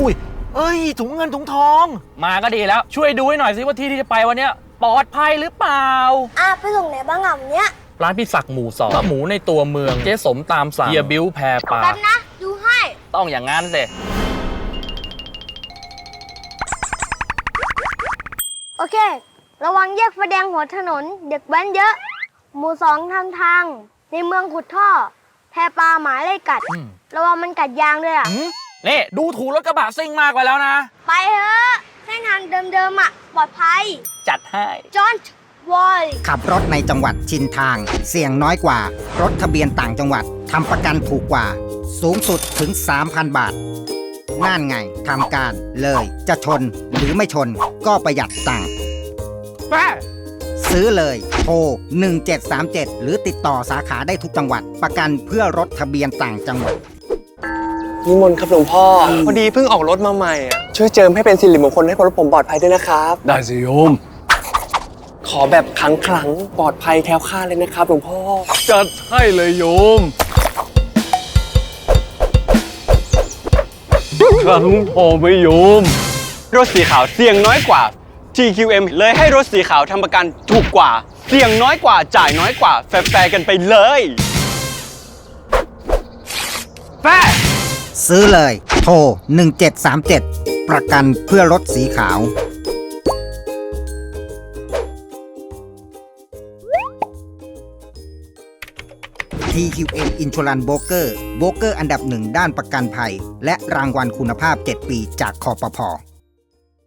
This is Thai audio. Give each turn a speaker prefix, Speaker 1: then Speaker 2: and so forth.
Speaker 1: อุ้ยเอ้ยถุงเงินถุงทองมาก็ดีแล้วช่วยดูให้หน่อยสิว่าที่ที่จะไปวันเนี้ยปลอดภัยหรือเปล่า
Speaker 2: ไปส่งไหนบ้างอ่ะวันเนี้ย
Speaker 1: ร้านพี่ศักดิ์หมู่สองหมูในตัวเมืองเจ๊สมตามสั่งเฮียบิ้วแพรปลา
Speaker 2: แป๊บนะดูให้
Speaker 1: ต้องอย่างงั้นสิ
Speaker 2: โอเคระวังแยกไฟแดงหัวถนนเด็กแว้นเยอะหมู่2ทำทางในเมืองขุดท่อแพปลาหมาไล่กัดระวังมันกัดยางด้วยอ่ะ
Speaker 1: นี่ดูถูกรถกระบะซิ่งมากไปแล้วนะ
Speaker 2: ไปเถอะเส้นทางเดิมๆอ่ะปลอดภัย
Speaker 1: จัดให้
Speaker 2: จอนวอย
Speaker 3: ขับรถในจังหวัดชินทางเสี่ยงน้อยกว่ารถทะเบียนต่างจังหวัดทำประกันถูกกว่าสูงสุดถึง 3,000 บาทนั่นไงทำการเลยจะชนหรือไม่ชนก็ประหยัดตังค์ซื้อเลยโทร1737หรือติดต่อสาขาได้ทุกจังหวัดประกันเพื่อรถทะเบียนต่างจังหวัด
Speaker 4: นิมนต์ครับหลวงพ่อพอดีเพิ่งออกรถมาใหม่ช่วยเจิมให้เป็นสิริมงคลให้รถผมปลอดภัยด้วยนะครับ
Speaker 5: ได้สิโยม
Speaker 4: ขอแบบขลังปลอดภัยแคล้วคลาดเลยนะครับหลวงพ่อ
Speaker 5: จัดให้เลยโยมครั้งพอไหมโยม
Speaker 6: รถสีขาวเสี่ยงน้อยกว่า TQM เลยให้รถสีขาวทำประกันถูกกว่าเสี่ยงน้อยกว่าจ่ายน้อยกว่าแฟร์กันไปเลย
Speaker 3: แฟร์ซื้อเลยโทร1737ประกันเพื่อรถสีขาว TQM Insurance Broker โบรกเกอร์อันดับหนึ่งด้านประกันภัยและรางวัลคุณภาพ7 ปีจากคปภ.